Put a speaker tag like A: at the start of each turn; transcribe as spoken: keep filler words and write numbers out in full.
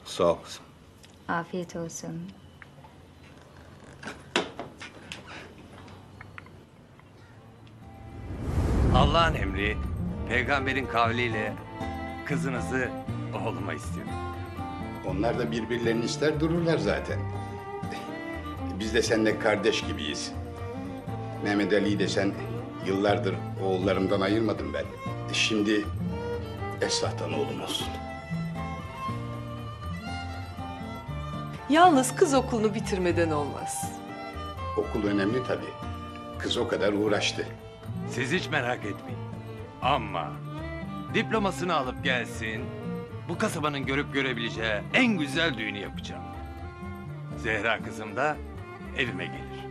A: Sağ ol kızım.
B: Afiyet olsun.
C: Allah'ın emri, peygamberin kavliyle kızınızı oğluma istiyorum.
D: Onlar da birbirlerini ister dururlar zaten. Biz de seninle kardeş gibiyiz. Mehmet Ali'yi de sen yıllardır oğullarımdan ayırmadım ben. Şimdi Esra'dan oğlum olsun.
E: Yalnız kız okulunu bitirmeden olmaz.
D: Okul önemli tabii. Kız o kadar uğraştı.
C: Siz hiç merak etmeyin. Ama diplomasını alıp gelsin, bu kasabanın görüp görebileceği en güzel düğünü yapacağım. Zehra kızım da evime gelir.